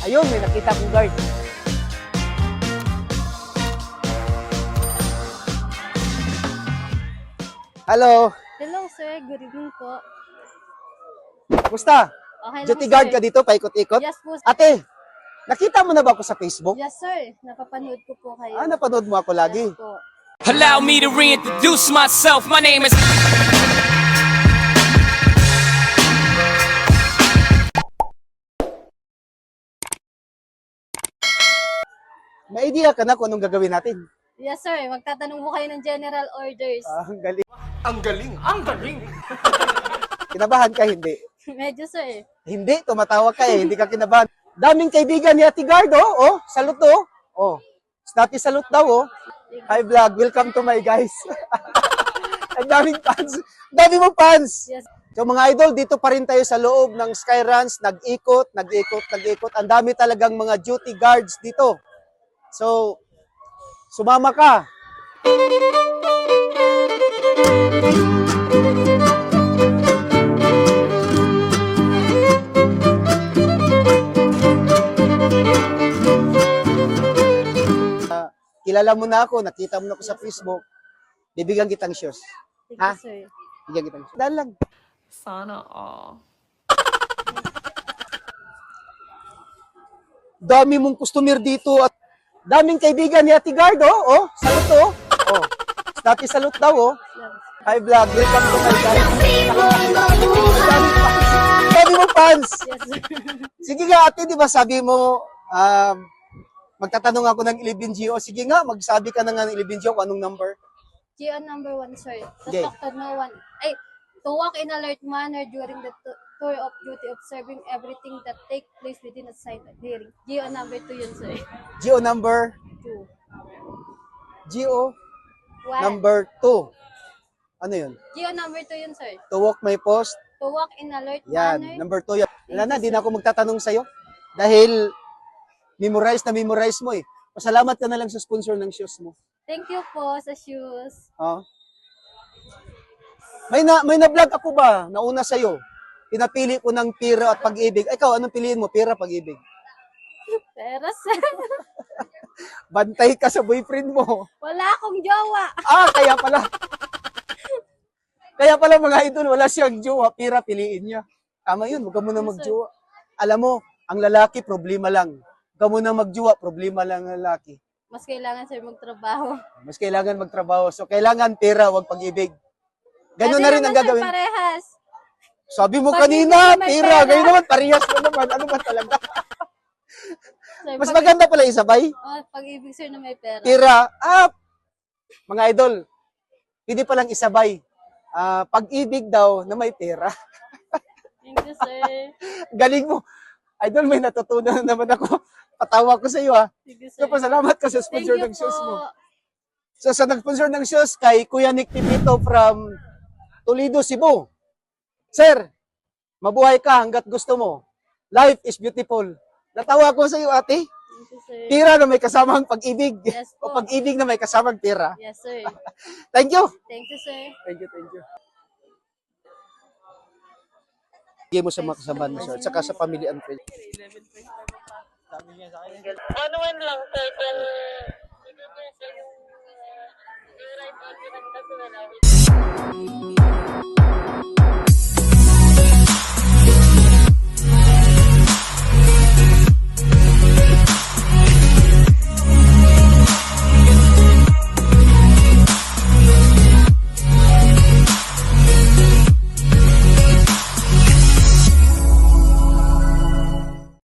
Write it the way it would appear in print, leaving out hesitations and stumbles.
Ayun, may nakita kong guard. Hello. Hello sir, good evening po. Kumusta? Okay lang Duty sir. guard ka dito, paikot-ikot? Yes po. Ate, nakita mo na ba ako sa Facebook? Yes sir, napapanood ko po kayo. Napanood mo ako lagi. Yes po. Allow me to reintroduce myself. My name is... May idea ka na kung anong gagawin natin. Yes sir, magtatanong po kayo ng general orders. Ang galing. Ang galing! Ang galing! Kinabahan ka, hindi? Medyo sir. Hindi, tumatawa ka eh, hindi ka kinabahan. Daming kaibigan ni Ate Guard, oh. Salute, oh. Oh, Snati salute daw, oh. Hi vlog, welcome to my guys. Ang daming fans. Ang dami mong fans. Yes. So mga idol, dito pa rin tayo sa loob ng Skyruns. Nag-ikot. Ang dami talagang mga duty guards dito. So, sumama ka. Kilala mo na ako, nakita mo na ako sa Facebook. Bibigyan kitang shoes. Thank Ha? you sir. Bibigyan kitang shoes. Dahil lang. Sana all. Dami mong customer dito at daming kaibigan ni Ate Guard, oh. Salute, oh. Oh. Snati salute daw, oh. Hi vlog, welcome to my guys. Dami mong fans. Yes sir. Sige nga ate, di ba sabi mo, magtatanong ako ng 11GO. Sige nga, magsabi ka na nga ng 11GO kung anong number. GO number 1 sir. To Okay. talk to no one. Ay, to walk in alert manner during the tour of duty, observing everything that take place within a sight of hearing. GO number 2 yun sir. GO number 2. GO 1. number 2. Ano yun? GO number 2 yun sir. To walk my post. To walk in alert Yan, manner. number 2 yan. Wala na, di na ako magtatanong sa'yo. Dahil memorize mo eh. Pasalamat ka na lang sa sponsor ng shoes mo. Thank you po sa shoes. Oh. May na-vlog ako ba? Nauna sa'yo. Pinapili ko ng pira at pag-ibig. Ikaw, anong piliin mo? Pira, pag-ibig. Pero sir, Bantay ka sa boyfriend mo. wala akong jowa. Kaya pala. Kaya pala mga idol, wala siyang jowa. Pira, piliin niya. Tama yun, huwag ka muna magjowa. Alam mo, ang lalaki, problema lang. Huwag ka muna magjowa, problema lang ang lalaki. Mas kailangan sir magtrabaho. Mas kailangan magtrabaho. So, kailangan pera, huwag pag-ibig. Ganun na rin ang naman, sir, gagawin. parehas. Sabi mo Pag-ibig kanina, naman, pera. pera. Ganyan naman, parehas na naman. Ano ba talaga? Sir, Mas maganda pala isabay. pag-ibig sir na may pera. Pera, mga idol, pwede palang isabay. Pag-ibig daw na may pera. Thank you sir. Galing mo. Idol, may natutunan na naman ako. Patawa ko sa iyo ha. Thank you sir. So, pasalamat ka sa Thank sponsor you ng shoes mo. po. So, sa nag-sponsor ng shoes kay Kuya Nick Pipito from Toledo, Cebu. Sir, mabuhay ka hanggat gusto mo. Life is beautiful. Natawa ko sa iyo, ate. Thank you sir. Pira na may kasamang pag-ibig. Yes O po. pag-ibig na may kasamang pira. Yes sir. Thank you. Thank you sir. Thank you. Bigay mo sa mga kasama mo, sir. At saka sa family and friends. Ano man lang, sir, kung hindi niya sa yung right order ng